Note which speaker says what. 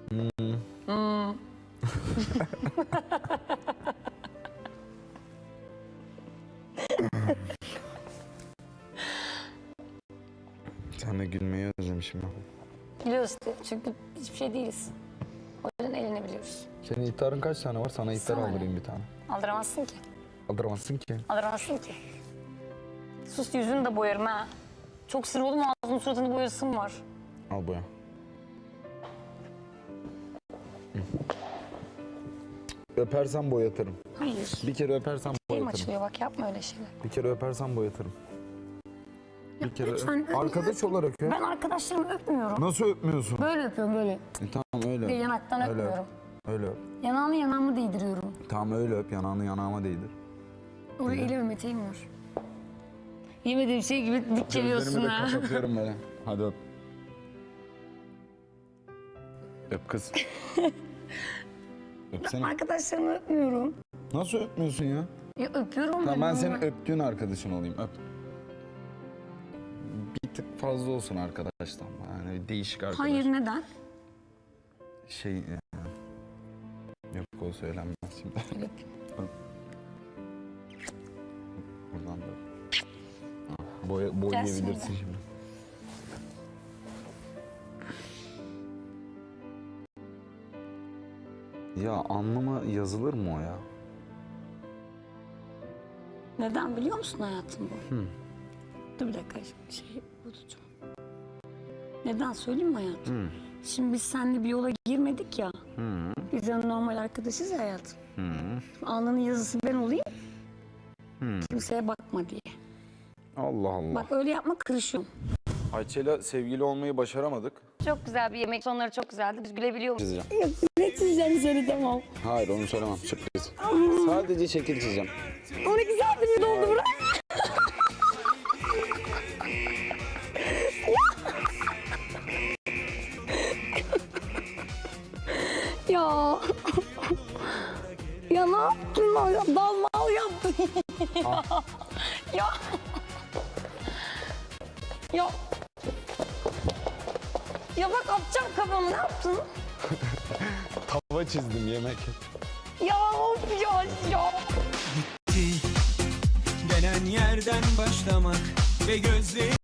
Speaker 1: Sen de gülmeyi özlemişim ya.
Speaker 2: Biliyoruz işte çünkü hiçbir şey değiliz. O yüzden eğlenebiliyoruz.
Speaker 1: Senin ihtarın kaç tane var? Sana ihtar
Speaker 2: Sana
Speaker 1: aldırayım bir tane.
Speaker 2: Aldıramazsın ki.
Speaker 1: Aldıramazsın ki.
Speaker 2: Aldıramazsın ki. Sus yüzünü de boyarım ha. Çok sinir oldum ağzının suratını boyasım var.
Speaker 1: Al boya. Öpersen boyatırım.
Speaker 2: Hayır.
Speaker 1: Bir kere öpersen
Speaker 2: Elim
Speaker 1: boyatırım.
Speaker 2: açılıyor bak yapma öyle şeyler.
Speaker 1: Bir kere öpersen boyatırım. Bir kere
Speaker 2: lütfen,
Speaker 1: arkadaş olarak öp.
Speaker 2: Ben arkadaşlarımı öpmüyorum.
Speaker 1: Nasıl öpmüyorsun?
Speaker 2: Böyle öpüyorum böyle.
Speaker 1: Tamam öyle
Speaker 2: Bir
Speaker 1: öp.
Speaker 2: yanaktan
Speaker 1: Öyle
Speaker 2: öpmüyorum.
Speaker 1: Öyle öp.
Speaker 2: Yanağını yanağımı değdiriyorum.
Speaker 1: Tamam öyle öp. Yanağını yanağıma değdir.
Speaker 2: Oraya elime değmiyor. Yemediğim şey gibi dik geliyorsun
Speaker 1: Gözlerimi de
Speaker 2: ha.
Speaker 1: kapatıyorum böyle. Hadi öp. Öp kız. Öpsene.
Speaker 2: Arkadaşlarımı öpmüyorum.
Speaker 1: Nasıl öpmüyorsun ya?
Speaker 2: Ya öpüyorum
Speaker 1: Tamam ben
Speaker 2: ama-
Speaker 1: senin öptüğün arkadaşın olayım. Öp. Bir tık fazla olsun arkadaştan. Yani değişik arkadaş.
Speaker 2: Hayır neden?
Speaker 1: Yok o söylenmez şimdi.
Speaker 2: Evet.
Speaker 1: Buradan da. Boyayabilirsin şimdi. Ya alnıma yazılır mı o ya?
Speaker 2: Neden biliyor musun hayatım bu? Dur bir dakika şey tutacağım. Neden söyleyeyim mi hayatım? Şimdi biz seninle bir yola girmedik ya. Biz de normal arkadaşız ya hayatım. Alnının yazısı ben olayım. Kimseye bakma diye.
Speaker 1: Allah Allah.
Speaker 2: Bak öyle yapma kırışıyorum.
Speaker 1: Ayça'yla sevgili olmayı başaramadık.
Speaker 2: Çok güzel bir yemek. Sonları çok güzeldi. Biz gülebiliyor muyuz?
Speaker 1: Çizeceğim.
Speaker 2: Ne çizeceğim söylemem.
Speaker 1: Hayır onu söylemem. Sürpriz. Sadece şekil çizeceğim.
Speaker 2: 12 saattir bir oldu bırak. Ya. Ya ne yaptın lan? Ya, dalmal yaptın. Ya. Ya. Ya bak atacağım kafamı ne yaptın?
Speaker 1: Tava çizdim yemek.
Speaker 2: Ya of ya.
Speaker 3: Denen yerden başlamak ve gözleri